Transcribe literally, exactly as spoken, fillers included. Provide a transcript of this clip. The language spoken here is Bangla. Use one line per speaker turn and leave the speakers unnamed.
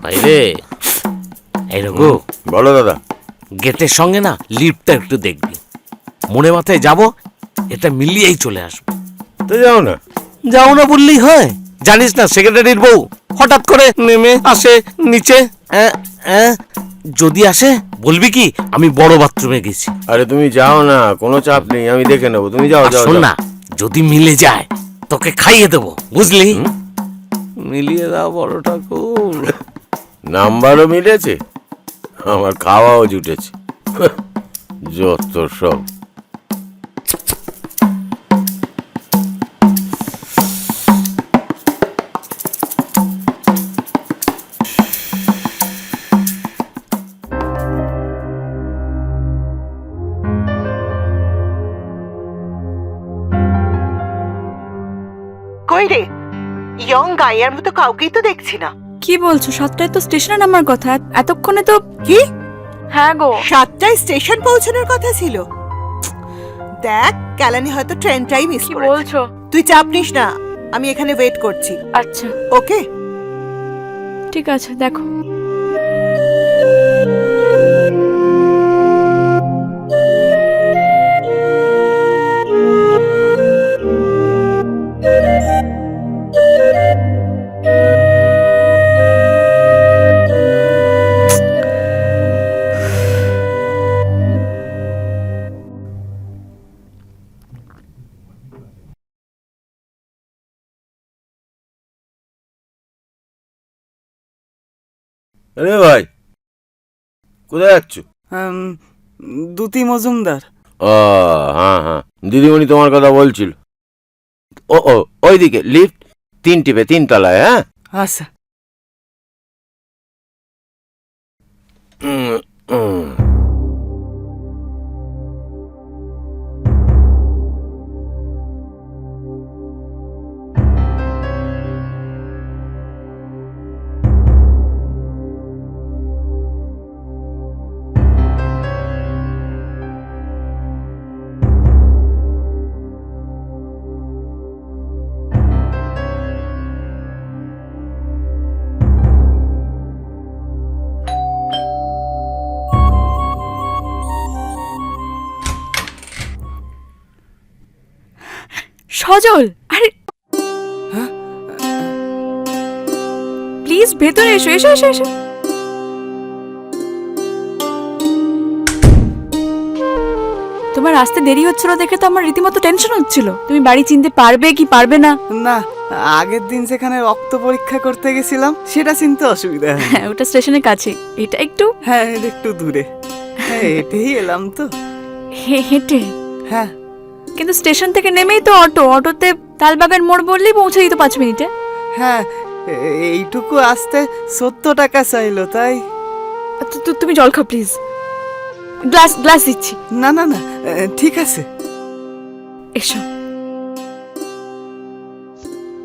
রে এই রঘু,
বলো দাদা।
গেটের সঙ্গে না লিফটটা একটু দেখবি, মনে মাথায় যাব, এটা মিলিয়েই চলে আসবো।
তো যাও না।
যাও না বললেই হয়? জানিস না সেক্রেটারির বউ হঠাৎ করে নেমে আসে নিচে। অ্যাঁ, অ্যাঁ, যদি আসে বলবি কি আমি বড় বাথরুমে গেছি।
আরে তুমি যাও না, কোনো চাপ নেই, আমি দেখে নেবো, তুমি যাও
আর
যাও
শোন
যাও।
না, যদি মিলে যায় তোকে খাইয়ে দেবো, বুঝলি? মিলিয়ে দাও বড় ঠাকুর।
নাম্বারও মিলেছে, আমার খাওয়াও জুটেছে। যত সব।
কই রে, ইয়ং গাইয়ার মতো কাউকেই তো দেখছি না।
কি বলছো? সাতটায় তো স্টেশনে নামার কথা, এতক্ষণে তো।
কি?
হ্যাঁ গো,
সাতটায় স্টেশন পৌঁছানোর কথা ছিল। দেখ, ক্যালানি হয়তো ট্রেনটাই মিস
কি
করেছে।
বলছো?
তুই চাপ নিস না, আমি এখানে ওয়েট করছি।
আচ্ছা
ওকে।
ঠিক আছে, দেখো।
আরে ভাই, কোথায় যাচ্ছ?
দুতি মজুমদার।
ও হ্যাঁ হ্যাঁ, দিদিমণি তোমার কথা বলছিল। ও ও ওইদিকে লিফট, তিন টিপে তিন তলায়। হ্যাঁ
আচ্ছা।
উম, উম।
সজল, আরে প্লিজ ভেতরে এসো, এসো এসো এসো। তোমার আসতে দেরি হচ্ছিল দেখে তো আমার রীতিমতো টেনশন হচ্ছিল, তুমি বাড়ি চিনতে পারবে কি পারবে না।
না, আগের দিন যেখানে রক্ত পরীক্ষা করতে গেছিলাম সেটা চিনতে অসুবিধা হয়।
হ্যাঁ, ওটা স্টেশনের কাছে, এটা একটু
হ্যাঁ, এটা একটু দূরে। হ্যাঁ, হেঁটেই এলাম তো।
হে- হেঁটে।
হ্যাঁ
কিন্তু স্টেশন থেকে নেমেই তো অটো, অটোতে তালবাগান মোড় বললেই পৌঁছে দিত পাঁচ মিনিটে।
হ্যাঁ, এ- এইটুকু আসতে সত্তর টাকা চাইলো, তাই।
তু- তু- তুমি জল খাও প্লিজ, গ্লাস গ্লাস দিচ্ছি।
না না না, এ, ঠিক আছে।
এসো।